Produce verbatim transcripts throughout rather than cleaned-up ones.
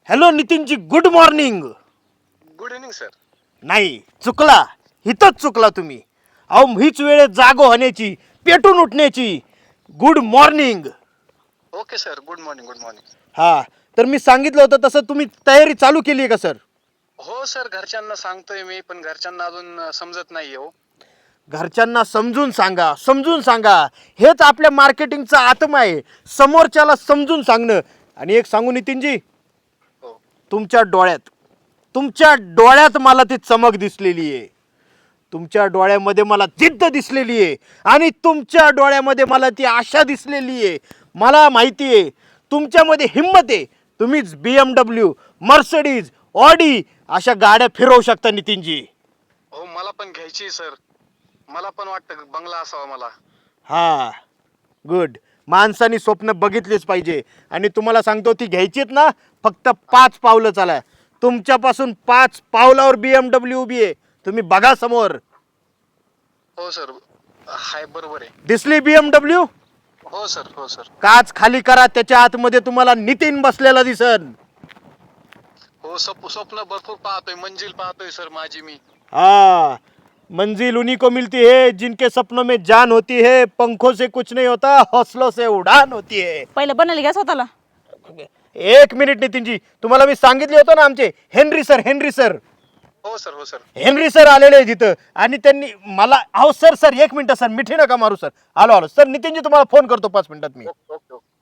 Hello Nitinji, good morning. Good evening sir. नाही, चुकला. इथंच चुकला तुम्ही. अहो हीच वेळ जागो होण्याची, पेटून उठण्याची. Good morning. Okay sir, good morning good morning. हा, तर मी सांगितलं होतं तसं तुम्ही तयारी चालू केली आहे का सर? हो सर, घरच्यांना सांगतोय मी, पण घरच्यांना अजून अं, समजत नाहीये हो. घरच्यांना समजून सांगा, समजून सांगा. हेच आपल्या मार्केटिंगचा आत्मा आहे, समोरच्याला समजून सांगणं. आणि एक सांगू नितीनजी, हो तुमच्या डोळ्यात तुमच्या डोळ्यात मला ती चमक दिसलेली आहे. तुमच्या डोळ्यामध्ये मला जिद्द दिसलेली आहे आणि तुमच्या डोळ्यामध्ये मला ती आशा दिसलेली आहे. मला माहिती आहे तुमच्यामध्ये हिंमत आहे. तुम्हीच B M W, Mercedes, Audi अशा गाड्या फिरवू शकता नितीनजी. हो, मला पण घ्यायची सर. मला पण वाटतं बंगला असावा मला. हा, गुड. माणसानी स्वप्न बघितलीच पाहिजे. आणि तुम्हाला सांगतो ती घ्यायचीत ना, फक्त पाच पावलं चाला. तुमच्यापासून पाच पावलावर बी एम डब्ल्यू उभी आहे. तुम्ही बघा समोर. हो सर, हाय बरोबर आहे. दिसली बी एम डब्ल्यू? हो सर हो सर. काच खाली करा, त्याच्या आतमध्ये तुम्हाला नितीन बसलेला दिसन. हो, स्वप स्वप्न भरपूर पाहतोय, मंजिल पाहतोय सर माझी मी. हाँ, मंजिल उन्हीं को मिलती है जिनके सपनों में जान होती है. पंखों से कुछ नहीं होता, हौसलों से उड़ान होती है. पहिलं बनायला घ्या स्वतःला. एक मिनिट नितीनजी, तुम्हाला मी सांगितले होतं ना, आमचे हेनरी सर हेनरी सर हो सर हो सर. हेनरी सर आलेले आहे तिथं. आणि त्यांनी मला, अहो सर सर एक मिनिट सर, मिठी नका मारू सर. आलो आलो सर. नितीनजी तुम्हाला फोन करतो पाच मिनिटात मी. Okay okay okay.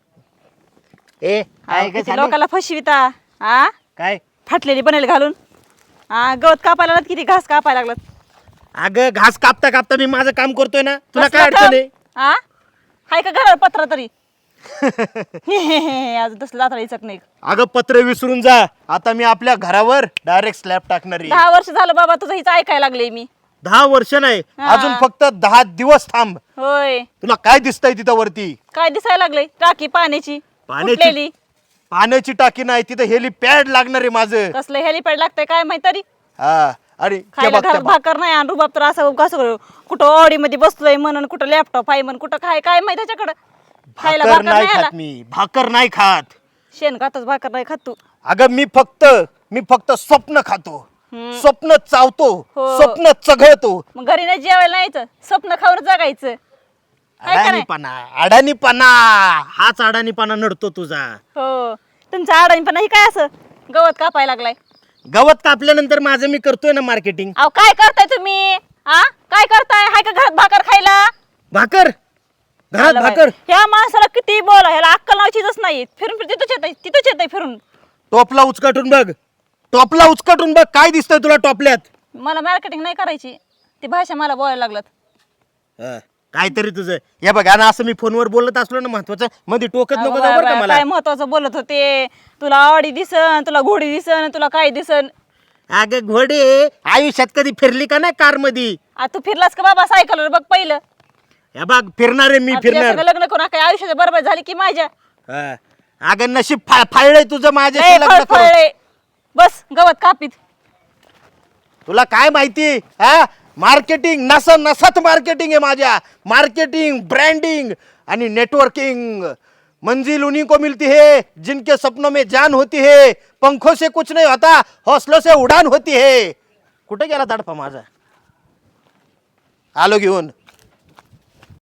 ए काय काय किती चालू? लोकाला फसविता हा काय फाटलेली बनायला घालून. हा, गवत कापायला लागलात, किती घास कापायला लागलात. अगं घास कापता कापता मी माझं काम करतोय ना, तुला कसलं काय अडचण आहे? काम? हा, हाय का घरावर पत्र तरी? अजून तसलं दाताळीचक नाही. अगं पत्र विसरून जा. आता मी आपल्या घरावर डायरेक्ट स्लॅब टाकणार आहे. दहा वर्ष झालं बाबा तुझं हिचं ऐकायला लागले मी. दहा वर्ष नाही, हा. अजून फक्त दहा दिवस थांब. होय, तुला काय दिसतंय तिथं वरती? काय दिसायला लागले? टाकी पाण्याची पाण्याची फुटलेली. पाण्याची टाकी नाही, तिथं हेलिपॅड लागणार आहे माझं. कसलं हेलिपॅड लागतंय काय माहित तरी. हा, अरे ते खायला बघ, ते घरात बघ. भाकर नाही आणि रुबाब तर असं कसं कुठं ऑडी मध्ये बसलोय म्हणून, कुठं लॅपटॉप आहे म्हणून, कुठं काय काय माहित त्याच्याकडं. खायला भाकर भाकर नाही नाही आला. खात मी, भाकर नाही खात. शेण खातच, भाकर नाही खात तू. अगं मी फक्त मी फक्त स्वप्न खातो, हम्म. स्वप्न चावतो, हो. स्वप्न चघळतो. मग घरी नाही जेवायला नाही यायचं, स्वप्न खाऊन जगायचं. काय का नाही? अडाणीपणा अडाणीपणा हाच अडाणीपणा नडतो तुझा. हो, तुमचा आडाणीपणा ही काय असं गवत कापायला लागलाय. गवत कापल्यानंतर माझं मी करतोय ना मार्केटिंग. अहो काय करताय तुम्ही? हा, काय करताय? हाय का घरात भाकर खायला? भाकर घरात आलं बाई. भाकर ह्या माणसाला किती बोला, ह्याला अक्कल नावाचीच नाही. फिरून फिरून तिथंच येतंय, तिथंच येतंय फिरून. टोपला उचकाटून बघ, टोपला उचकाटून बघ, काय दिसतंय तुला टोपल्यात? मला मार्केटिंग नाही करायची, ती भाषा मला बोलायला लागलात. हा, काहीतरी तुझं हे बघ. आणि असं मी फोनवर बोलत असलो ना महत्वाचं, मध्ये टोकत अहो नको बाय जाऊ बरं का बाय, मला. काय महत्वाचं बोलत होते. तुला आवडी दिसन, तुला घोडी दिसन, तुला काय दिसन. अगं घोडे, आयुष्यात कधी फिरली का नाही कार मध्ये? आ, तू फिरलास का बाबा सायकलवर? बघ पहिलं. हे बघ, फिरणार आहे मी, आ, तुझ्या फिरणार. संग लग्न करून काय आयुष्याची बरोबर झाली की माझ्या. हा. अगं नशीब फा- फाळलंय तुझं माझ्या ए, लग्न फळ करून. फळले. बस गवत कापीत. तुला काय माहिती? हा, मार्केटिंग नसा नसात मार्केटिंग आहे माझ्या. मार्केटिंग, ब्रँडिंग आणि नेटवर्किंग. मंजिल उन्हीं को मिलती है जिनके सपनों में जान होती है. पंखों से कुछ नहीं होता, हौसलों से उड़ान होती है. कुठे गेला तडफा माझा? आलो घेऊन.